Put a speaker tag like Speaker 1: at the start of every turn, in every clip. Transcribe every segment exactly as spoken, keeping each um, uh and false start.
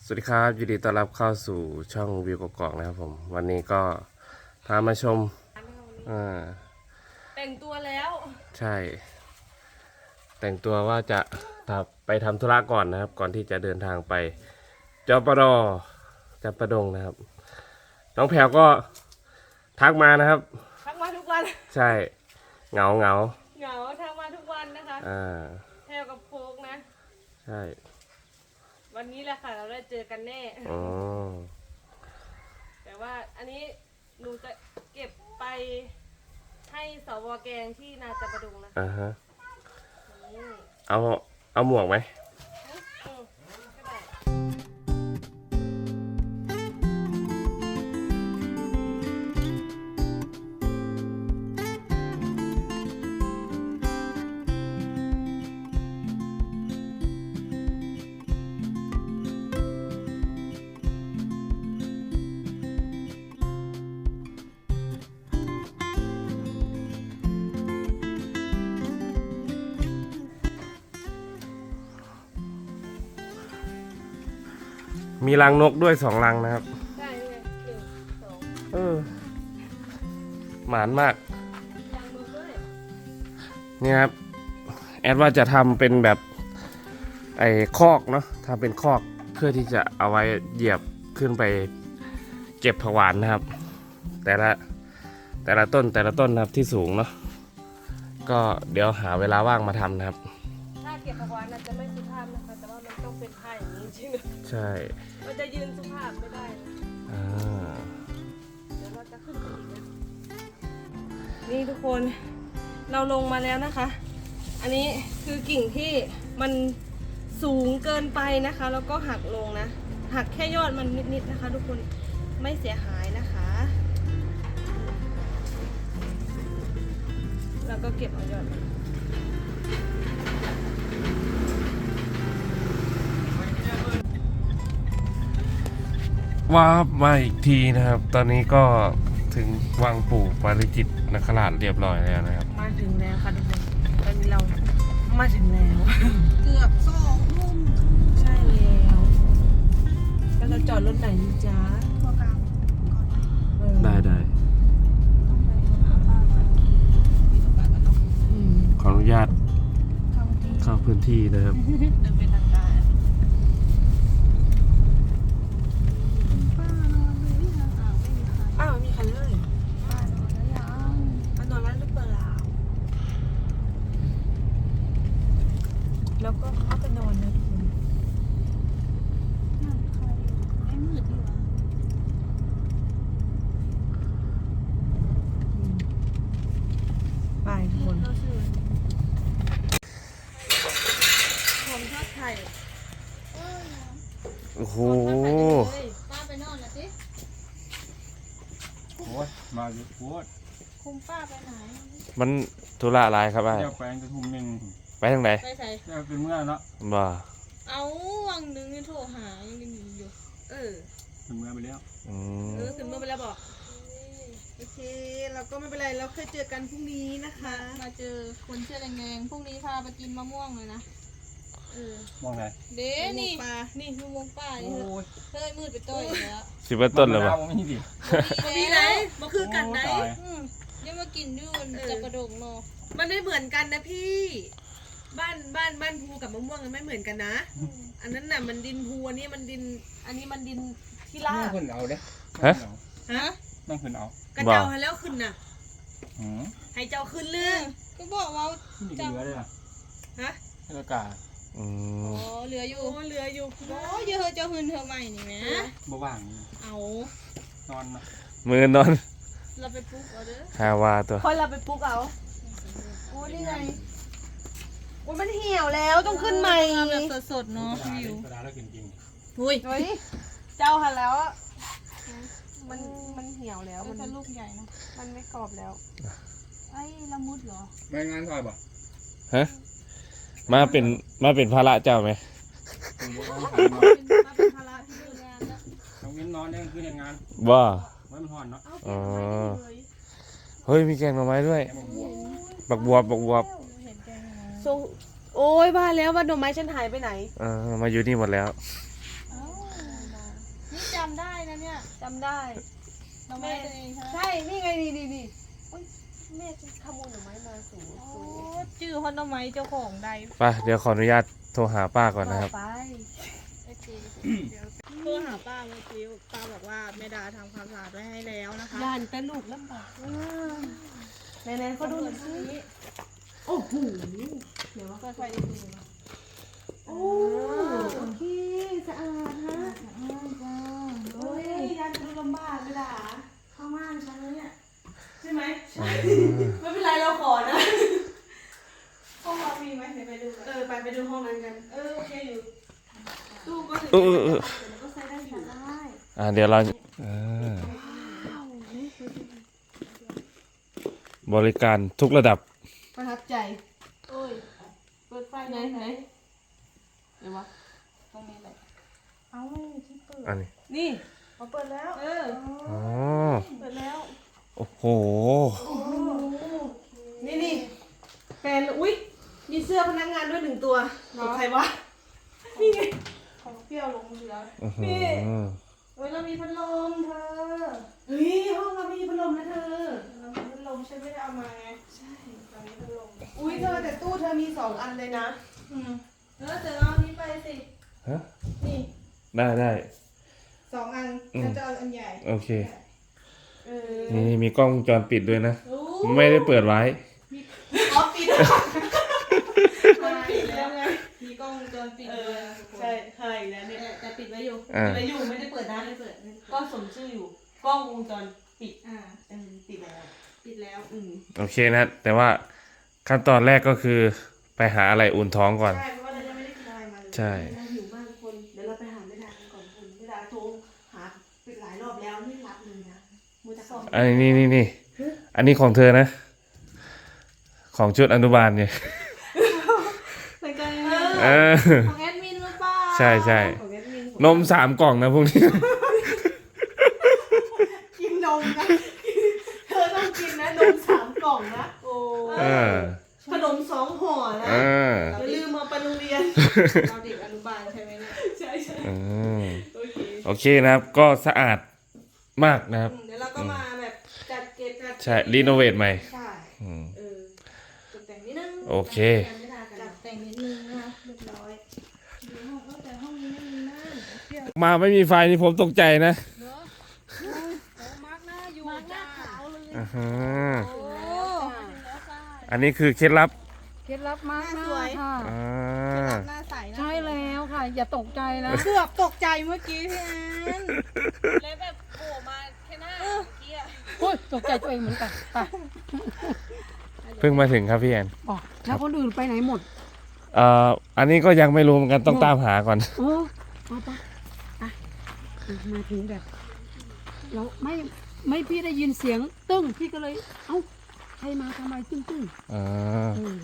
Speaker 1: สวัสดีครับยินดีต้อนรับเข้าสู่ช่องวิวกกอกนะครับผมวันนี้ก็พามาชมอ่า
Speaker 2: แต่งตัวแล้ว
Speaker 1: ใช่ แต่งตัวว่าจะไปทำธุระก่อนนะครับ ก่อนที่จะเดินทางไปจปดจำปาดงนะครับ น้องแพรวก็ทักมานะครับ
Speaker 2: ทักมาทุกวัน
Speaker 1: ใช่เหงาเหงา
Speaker 2: เหงาทักมาทุกวันนะคะ
Speaker 1: อ่า
Speaker 2: แพรกับโฟกนะ
Speaker 1: ใช่
Speaker 2: วันนี้แหละค่ะเราได้เจอกันแน่
Speaker 1: อ๋อ
Speaker 2: แต่ว่าอันนี้หนูจะเก็บไปให้สวแกงที่นาจำปาดงนะคะ
Speaker 1: อ่าฮะ
Speaker 2: อืม
Speaker 1: เอาเอาหมวกไหม
Speaker 2: อืมก็ได้
Speaker 1: มีรังนกด้วยสองรังนะครับ
Speaker 2: ได้เลยหนึ่งสอง
Speaker 1: เออหมานมาก
Speaker 2: ยางมือด้วย
Speaker 1: นี่ครับแอดว่าจะทำเป็นแบบไอ้คอกเนาะทำเป็นคอกเพื่อที่จะเอาไว้เหยียบขึ้นไปเก็บผักหวานนะครับ แต่ละแต่ละต้นแต่ละต้นนะครับที่สูงเนาะก็เดี๋ยวหาเวลาว่างมาทำนะครับ
Speaker 2: ถ้าเก็บผักหวานอาจจะไม่สุภาพนะคะ แต่ว่ามันต้องเป็นท่าอย่างนี้จริงๆ
Speaker 1: ใช่
Speaker 2: มันจะยืนสุภาพไม่ได้นะ
Speaker 1: อ่า
Speaker 2: เดี๋ยวเราจะขึ้นไปอีกนะนี่ทุกคนเราลงมาแล้วนะคะ อันนี้คือกิ่งที่มันสูงเกินไปนะคะ แล้วก็หักลงนะ หักแค่ยอดมันนิดๆนะคะ ทุกคนไม่เสียหายนะคะแล้วก็เก็บเอายอดมัน
Speaker 1: ว่าบมาอีกทีนะครับ ตอนนี้ก็ถึงวังปู่ปาริจิตนคราชเรียบร้อยแล้วนะครับ
Speaker 2: มาถึงแล้วค่ะทุกคนตอนนี้เรามาถึงแล้ว
Speaker 3: เกือบสองทุ่ม
Speaker 2: ใช่แล้วแล้วเราจอดรถไหนดีจ๊ะ
Speaker 3: ตัวกลางก่อนนะ
Speaker 2: เออ
Speaker 1: ได้ได้
Speaker 3: ต้องไปหาบ้านก่อนมีตัวกลางกันเนาะ
Speaker 2: อืม
Speaker 1: ขออนุญาต
Speaker 3: เข้าที่
Speaker 1: เข้าพื้นที่นะครับ
Speaker 3: เดินเป็นทางการป้านอนดูที่ทางอ่าวไม่มีใคร
Speaker 2: อ้าวมีใครเลย
Speaker 3: ป้านอนแล้วยัง
Speaker 2: มานอนร้านหรือเปล่าแล้วก็เข้าไปนอนนะทุกคน
Speaker 3: นั่นใครอยู่ไม่มืดดีวะ
Speaker 2: ไปทุกคน
Speaker 3: เราชื่อ
Speaker 2: ผมทอดไข่
Speaker 3: เออนะ
Speaker 1: โอ้โห
Speaker 3: ป้าไปนอนนะสิ
Speaker 4: โคตรมาอยู่โคตร
Speaker 3: คุมป้าไปไหน
Speaker 1: มันธุระอะไรครับไอ้
Speaker 4: เจ้าแปลงกระทุ่มหนึ่ง
Speaker 1: ไปทางไหน
Speaker 3: ไปใส่
Speaker 4: เจ้าเป็นเมื่อเนาะ
Speaker 1: บ่
Speaker 3: เอาวังนึงนี่โทรหายังได้ยินอยู่
Speaker 2: เออ
Speaker 4: เป็นเมื่อไปแล้ว
Speaker 1: อืม
Speaker 2: เออถึงเมื่อไปแล้วบอกโอเคเราก็ไม่เป็นไรเราเคยเจอกันพรุ่งนี้นะคะ
Speaker 3: มาเจอคนเชื่อแดงๆพรุ่งนี้พาไปกินมะม่วงเลยนะ
Speaker 2: เออ
Speaker 4: มองไง
Speaker 3: เด้นี่
Speaker 2: ปลา
Speaker 3: นี่มะม่วงป้านี่
Speaker 4: โอ้
Speaker 3: เฮ้ย
Speaker 4: ย
Speaker 3: เฮ้ยมืดไปต้อยอีกแล้ว
Speaker 1: สิบเอ็ดต้นเลย
Speaker 4: บ่
Speaker 1: บ่
Speaker 4: ไม่มีดิ
Speaker 2: มีไหนมาคือกันไหน
Speaker 4: โอ้ตาย
Speaker 3: อืมเดี๋ยวมากินอยู่
Speaker 2: เออ
Speaker 3: จับกระดงเนาะ
Speaker 2: มันไม่เหมือนกันนะพี่ บ้านบ้านบ้านภูกับมะม่วงมันไม่เหมือนกันนะ อันนั้นน่ะมันดินภูอันนี้มันดิน อันนี้มันดินที่ลา
Speaker 4: นั่ง
Speaker 2: บ
Speaker 4: ขึ้นเอาเด้
Speaker 1: ฮะ
Speaker 2: ฮะ
Speaker 4: นั่งขึ้นเอา
Speaker 2: กระเจ้าให้แล้วขึ้นน่ะ
Speaker 4: หืม
Speaker 2: ให้เจ้าขึ้นเรื่อง
Speaker 3: ก็บอกว่า
Speaker 4: นี่เหลือเลยอ่ะ
Speaker 2: ฮะ
Speaker 4: ให้อากาศ
Speaker 1: อื
Speaker 3: อ๋อ
Speaker 1: ม
Speaker 3: เหลืออยู่
Speaker 2: โอ้เหลืออยู่
Speaker 3: โอ้เยอะเจ้าหืนเธอใหม่นี่แหม
Speaker 4: บ่ว่าง
Speaker 3: เอา
Speaker 4: นอนนะ
Speaker 1: มือนอน
Speaker 3: เราไปปลุ๊กเอาเด้อ
Speaker 1: ฮาวาตัว
Speaker 2: คอยเราไปปลุกเอาโอ้นี่ไงโอ้มันเหี่ยวแล้วต้องขึ้นใหม่
Speaker 3: เอาแบบสดๆเนาะวิว
Speaker 4: กระดาษแล้วกินจริง
Speaker 3: หุ้ย
Speaker 2: เฮ้ยเจ้าหันแล้วอะมันมันเหี่ยวแล้ว
Speaker 3: มั
Speaker 2: มัน น
Speaker 3: จะลูกใหญ่เนาะ
Speaker 2: มันไม่กรอบแล้ว
Speaker 3: ไอ้ละมุดเหรอ
Speaker 4: ไม่งานซอยบ่
Speaker 1: ฮะมาเป็นมาเป็นภาระเจ้าไหม
Speaker 4: ผมบ่ต้อง
Speaker 3: เป็นมาเป็นภาระที่ดูงานแล้ว
Speaker 4: ทำเงินนอนได้คือเห็นงาน
Speaker 1: บ่
Speaker 4: ไว้มันห่อนเนาะ
Speaker 2: เอาเก็บไว้เลย
Speaker 1: เฮ้ยมีแกงหน่อไม้ด้วย
Speaker 4: แค่มาบวก
Speaker 1: บักบวบบักบวบ
Speaker 3: เห็นแกงอะไร
Speaker 2: ทรงโอ้ยบ้าแล้วว่าดอกไม้ฉันหายไปไหน
Speaker 1: เออมาอยู่นี่หมดแล้ว
Speaker 3: เอ้าจำได้หน่อไม้ตัวเองใช่ไหม
Speaker 2: ใช่ นี่ไงนี่นี่นี่อุ๊ยแม่ฉันขโมยหน่อไม้มาสูง
Speaker 3: โอ้
Speaker 2: สูง
Speaker 3: ชื่อฮอนหน่อไม้เจ้าของใด
Speaker 1: ไปเดี๋ยวขออนุญาตโทรหาป้าก่อนนะครับ
Speaker 2: ไป
Speaker 3: โอเคเดี๋ยวโทรหาป้าเมื่อกี้ป้าบอกว่าแม่ดาทำความสะอาดไว้ให้แล้วนะคะ
Speaker 2: ย่านแต่ลูกลำบากไหนไหนๆเขาดูหน่อยสิโอ้โหเดี๋ยวว่า
Speaker 3: เปิดไฟดีๆนะ
Speaker 2: โอ้โอเคสะอาดฮะโอ้ยย่านแต่ลูกลำบากเลยล่ะเข้าม่านฉันแล้วเนี่ยใช่ไหมใช่ไม่เป็นไรเราขอนะห้องเรามีไหมเดี๋ยวไปดูกันเออไปไปดูห้องนั้นกัน เออโอเคอยู่ตู้ก็ถึง
Speaker 1: เออเออ
Speaker 2: แล้วก็ใส่ได้อยู่ได้
Speaker 1: อ่าเดี๋ยวเราอ่าบริการทุกระดับ
Speaker 2: ประทับใจ
Speaker 3: โอ้ยเปิดไฟ
Speaker 2: ไหน
Speaker 3: ไหน
Speaker 2: ไหนเดี๋ยววะ
Speaker 3: ตรงนี้แหละเอาไม่มีที่เปิด
Speaker 1: อันนี้
Speaker 2: นี่
Speaker 3: เขาเปิดแล้ว
Speaker 2: เออ
Speaker 1: อ๋อ
Speaker 3: เปิดแล้ว
Speaker 1: โอ้โห
Speaker 2: นี่นี่แฟนอุ๊ยมีเสื้อพนักงานด้วยหนึ่งตัวของใครวะนี่ไง
Speaker 3: ของเปรี้ยวลงเรือ
Speaker 1: อื้อหือ
Speaker 2: เฮ้ยเรามีพัดลมเธอเฮ้ยห้องเรามีพัดลมนะเธอ
Speaker 3: เรามีพัดลมฉันไม่ได้เอามาไงใช่เรามีพัดลม
Speaker 2: อุ้ยเธอแต่ตู้เธอมีสองอันเลยนะ
Speaker 3: อืม
Speaker 2: เออเธอเอาอันนี้ไปสิ
Speaker 1: ฮะ
Speaker 2: นี่
Speaker 1: ได้ได้
Speaker 3: สองอัน
Speaker 1: อืม
Speaker 3: ฉันจะเอาอันใหญ่
Speaker 1: โอเค
Speaker 2: เออ
Speaker 1: นี่มีกล้องวงจรปิดด้วยนะ
Speaker 2: รู้
Speaker 1: ไม่ได้เปิดไว้
Speaker 2: อ๋อปิด
Speaker 3: มันปิดแล้วไงมีกล้องวงจรปิด
Speaker 2: เอ
Speaker 3: ด้
Speaker 2: อ
Speaker 3: วยนะทุกคน
Speaker 2: ใช่ใช่แล้วเนี่ยแต่ปิดไว้อยู่
Speaker 1: อ่า
Speaker 2: ปิดไว้อยู่ไม่ได้เปิดนะไม่ได้เปิดก็สมชื่ออยู่กล้องวงจรปิด
Speaker 3: อ่า
Speaker 2: เออปิดแล้ว
Speaker 3: ปิดแล้ว
Speaker 2: อืม
Speaker 1: โอเคนะ แต่ว่าขั้นตอนแรกก็คือไปหาอะไรอุ่นท้องก่อน
Speaker 2: ใช่เพราะว่าเรายังไม่ได้กินอะไรมาเลย
Speaker 1: ใช่
Speaker 2: เราหิวมากทุกคนเดี๋ยวเราไปหาแม่ดากันก่อนคุณแม่ดาโทรหาปิดหลายรอบแล้วไม่รับเลยนะมูจะส่ง
Speaker 1: อันนี้นี่นี่อันนี้ของเธอนะ ของชุดอนุบาลเนี่ย
Speaker 3: เหมือนกัน
Speaker 1: เออ
Speaker 3: ของแอดมินหรือเปล่า
Speaker 1: ใช่ใช่
Speaker 2: ของแอดมิน
Speaker 1: นมสามกล่องนะพวกนี้
Speaker 2: กินนมนะเธอต้องกินนะนมสามกล่องนะโอ้
Speaker 1: เออ
Speaker 2: ขนมสองห่อนะ
Speaker 1: เออ
Speaker 2: อย่าลืมมาไปโรงเรียน
Speaker 3: เราเด็กอนุบาลใช่ไหมเนี่ย
Speaker 2: ใช่ใช่
Speaker 1: อืม
Speaker 2: โอเค
Speaker 1: โอเคนะครับ ก็สะอาดมากนะครับ
Speaker 2: เดี๋ยวเราก็มาแบบจัดเก็บจัด
Speaker 1: ใช่ รีโนเวทใหม่
Speaker 2: ใช่
Speaker 1: อืม
Speaker 2: เออตกแต่งนิดนึง
Speaker 1: โอเค
Speaker 2: ไม่ได้กัน
Speaker 3: จัดแต่งนิดนึงนะคะเรียบร้อยดูห้องเออแต่ห้องนี้ไม่มีม่านเที่ยว
Speaker 1: มาไม่มีไฟนี่ผมตกใจนะ
Speaker 3: เนอะโอ้มาร์กหน้าอยู่มาร์กหน้าขาวเลย
Speaker 1: อ่าฮะ
Speaker 3: โอ้ถึงแล้วค่ะ
Speaker 1: อันนี้คือเคล็ดลับ
Speaker 5: เคล็ดลับมาก
Speaker 3: หน้า
Speaker 5: นะ
Speaker 3: สวย
Speaker 5: ค่ะ
Speaker 1: อ่า
Speaker 3: หน้าใสนะ
Speaker 5: ใช่แล้วค่ะ อย่าตกใจนะ
Speaker 3: เกือบตกใจเมื่อกี้พี่แอนเลยแบบโผล่มาแค่หน้าเมื่อกี้อะ
Speaker 5: โอ้ยตกใจตัวเองเหมือนกันไป
Speaker 1: เพิ่งมาถึงครับพี่แอน
Speaker 5: บอกแล้วคนอื่นไปไหนหมด
Speaker 1: เอ่อ อันนี้ก็ยังไม่รู้เหมือนกันต้องตามหาก่อน
Speaker 5: เออเอาไปอ่ะอ่ะมาถึงแบบเราไม่ไม่พี่ได้ยินเสียงตึ้งพี่ก็เลย เอ้าใครมาทำไมตึ้งตึ้ง
Speaker 1: อ่า
Speaker 5: เออ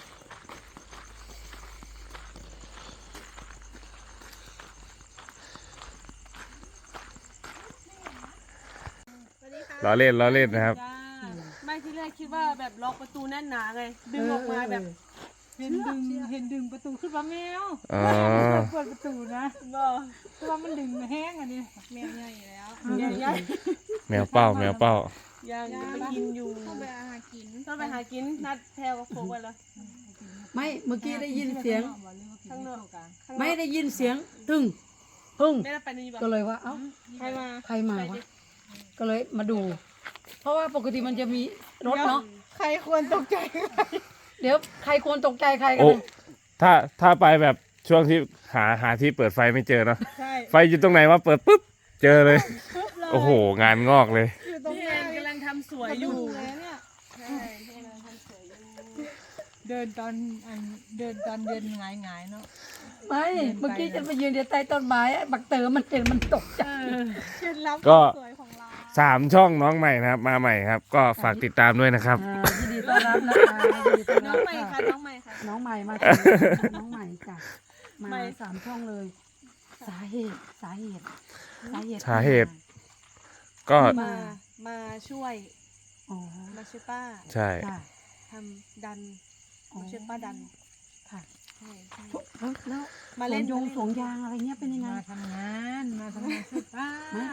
Speaker 1: ล้อเล่นล้อเล่นนะครับ
Speaker 2: จ้าไม่ที่แรกคิดว่าแบบล็อกประตูแน่นหนาไง ดึงออกมาแบบ
Speaker 5: เห็นดึงเห็นดึงประตูขึ้นมาแมว
Speaker 1: อ๋อ
Speaker 5: เปิดประตูนะ
Speaker 2: บ่
Speaker 5: เพราะว่ามันดึงแห้งอันนี้
Speaker 3: แมวใหญ่แล้ว
Speaker 2: ยังยัง
Speaker 1: แมวเป้าแมวเป้า
Speaker 2: ยังไปกินอยู่
Speaker 3: ต้องไปอาหารกิน
Speaker 2: ต้องไปหากินนัดแพลกับโคกไว้แล้ว
Speaker 5: ไม่เมื่อกี้ได้ยินเสียง
Speaker 2: ข้างนอก
Speaker 5: ไม่ได้ยินเสียงตึ้งพึ่ง
Speaker 2: ไม่ได้ไปนี่บ่
Speaker 5: ก็เลยว่า เอ้า
Speaker 2: ใครมา
Speaker 5: ใครมาวะ ก็เลยมาดู เพราะว่าปกติมันจะมีรถเนาะ
Speaker 3: ใครควรตกใจ
Speaker 5: เดี๋ยวใครควรตกใจใครกัน
Speaker 1: โอ้
Speaker 5: นะ
Speaker 1: ถ้าถ้าไปแบบช่วงที่หาหาที่เปิดไฟไม่เจอเนาะ
Speaker 3: ใช่
Speaker 1: ไฟอยู่ตรงไหนวะเปิดปุ๊บ เจอเลย โอ้โห งานงอกเลย
Speaker 3: อยู่ตรง
Speaker 2: พี่
Speaker 3: ไหน
Speaker 2: แอนกำลังทำสวยอยู่
Speaker 3: เลยเนี่ย
Speaker 2: ใช่พี่แอนกำลังทำสวยอยู่
Speaker 6: เดินตอนอันเดินตอนเดินหงายหงายๆเนาะ
Speaker 5: ไม่เมื่อกี้ฉันไปยืนเดียวใต้ต้นไม้อะบักเต๋อมันเห็นมันตกใจ
Speaker 3: เคล็ดลับ
Speaker 1: ก็
Speaker 3: สวยของเรา
Speaker 1: สามช่องน้องใหม่นะครับ มาใหม่ครับ ก็ฝากติดตามด้วยนะครับ
Speaker 5: อ่ายินดีต้อนรับนะคะยินดีต้อน
Speaker 2: น้
Speaker 5: รั
Speaker 2: อง
Speaker 5: บ
Speaker 2: ใหม่ค่ะ
Speaker 5: ค่ะ
Speaker 2: น้องใหม่ค่ะ
Speaker 5: น้องใหม่มาถึงน้องใหม่จ้ะมา
Speaker 2: ใหม่
Speaker 5: สามช่องเลย สาเหตุสาเหตุสาเหตุ
Speaker 1: สาเหตุ ก็
Speaker 2: มา มาช่วย
Speaker 5: อ๋อ
Speaker 2: มาช่วยป้า
Speaker 1: ใช่
Speaker 5: ค่ะ
Speaker 2: ทำดัน
Speaker 5: อ๋อ
Speaker 2: มาช่วยป้าดัน
Speaker 5: ค่ะ
Speaker 2: ใช่ใช่
Speaker 5: แล้วแล้ว
Speaker 2: มาเล่น
Speaker 5: สวนยงสวนยางอะไรเงี้ยเป็นยังไง
Speaker 6: มาทำงานมาทำงานช่วยป้า
Speaker 5: มา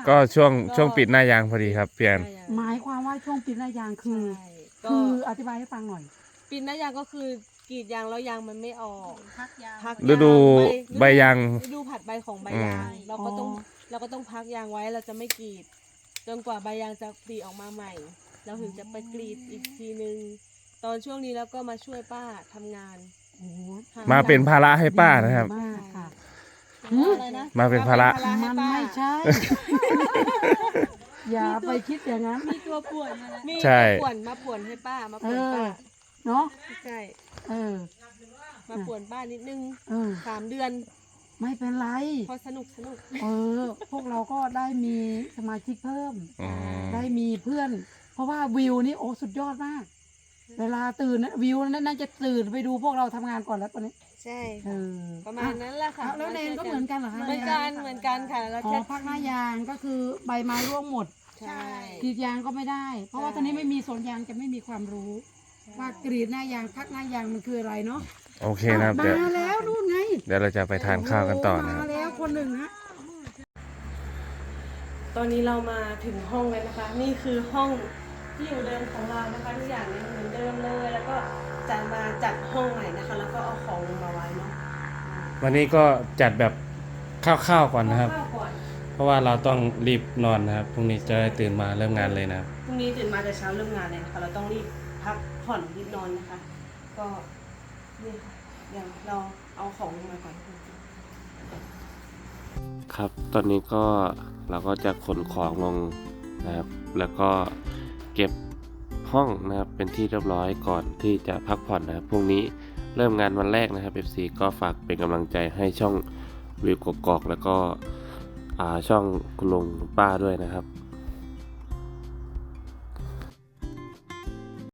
Speaker 1: ก็ช่วงช่วงปิดหน้ายางพอดีครับเปลี่ยน
Speaker 5: หมายความว่าช่วงปิดหน้ายางคือ
Speaker 2: ใช่ก็
Speaker 5: คืออธิบายให้ฟังหน่อย
Speaker 2: ปิดหน้ายางก็คือกรีดยางแล้วยางมันไม่ออก
Speaker 3: พักยาง
Speaker 2: พัก
Speaker 1: ฤดู
Speaker 2: ใบ
Speaker 1: ใบยาง
Speaker 2: ฤดูผัดใบของใบ
Speaker 1: อืม
Speaker 2: ยางเราก็ต้อง
Speaker 5: อ๋อ
Speaker 2: เราก็ต้องพักยางไว้เราจะไม่กรีด จนกว่าใบยางจะปลีออกมาใหม่ เราถึงจะไปกรีดอีกทีนึง ตอนช่วงนี้แล้วก็มาช่วยป้าทำงาน
Speaker 5: โอ้โห
Speaker 1: มาเป็นภาระให้ป้านะครับ
Speaker 5: ดีมากค่ะ
Speaker 3: อะไรนะ
Speaker 1: มาเป็นภาระ
Speaker 2: ให้
Speaker 5: มัน
Speaker 2: ป้า
Speaker 5: ไม่ใช่ อย่าไปคิดอย่างนั้น
Speaker 3: มีตัวป่วยมาแล้ว
Speaker 2: มี
Speaker 1: ใช่
Speaker 2: มาป่วนมาป่วนให้ป้ามาป่วนป้า
Speaker 5: เออ เนาะ
Speaker 2: ใช่
Speaker 5: เออ
Speaker 2: มาป่วนป้านิดนึง
Speaker 5: เออ
Speaker 2: สามเดือน
Speaker 5: ไม่เป็นไร
Speaker 2: พอสนุกสนุก
Speaker 5: เออ พวกเราก็ได้มีสมาชิกเพิ่ม
Speaker 1: อืม
Speaker 5: ได้มีเพื่อน เพราะว่าวิวนี่โอ้สุดยอดมาก เวลาตื่นนะวิวนั่นน่าจะตื่นไปดูพวกเราทำงานก่อนแล้วตอนนี้
Speaker 2: ใช่
Speaker 5: เออ
Speaker 2: ประมาณนั้นแหละค่ะ
Speaker 5: อ่ะแล้วเนนก็เหมือนกันเหรอคะ
Speaker 2: เหมือนกันเหมือนกันค่ะแล้ว
Speaker 5: อ๋อ
Speaker 2: แค่
Speaker 5: ภาคหน้ายางก็คือใบไม้ร่วงหมด
Speaker 2: ใช่
Speaker 5: กรีดยางก็ไม่ได้ เพราะว่า
Speaker 2: ใช่
Speaker 5: ตอนนี้ไม่มีสวนยางจะไม่มีความรู้ ว่ากรีดหน้ายางพักหน้ายางมันคืออะไรเนาะ
Speaker 1: โอเคนะครับเดี๋ยว
Speaker 5: มาแล้วนู่นไง
Speaker 1: เดี๋ยวเราจะไปทานข้าวกันต่อนะครับ
Speaker 5: มาแล้วคนหนึ่งฮะ
Speaker 2: ตอนนี้เรามาถึงห้องแล้วนะคะ นี่คือห้องที่อยู่เดิมของเรานะคะทุกอย่างยังเหมือนเดิมเลย แล้วก็จะมาจัดห้องใหม่นะคะ แล้วก็เอาของลงมาไว้เนาะ
Speaker 1: วันนี้ก็จัดแบบคร่าวๆก่อนนะครับ
Speaker 2: ข้าวก่อน
Speaker 1: เพราะว่าเราต้องรีบนอนนะครับพรุ่งนี้จะได้ตื่นมาเริ่มงานเลยนะครับ
Speaker 2: พรุ่งนี้ตื่นมาแต่เช้าเริ่มงานเลยนะคะเราต้องรีบพักผ่อนรีบนอนนะคะ ก็นี่ค่ะเดี๋ยวเราเอาของลงมาก่อน
Speaker 1: ครับ ตอนนี้ก็เราก็จะขนของลงนะครับ แล้วก็เก็บห้องนะครับ เป็นที่เรียบร้อยก่อนที่จะพักผ่อนนะครับ พรุ่งนี้เริ่มงานวันแรกนะครับ เอฟ ซี ก็ฝากเป็นกำลังใจให้ช่องวิวกกอกแล้วก็อ่าช่องคุณลุงคุณป้าด้วยนะครับ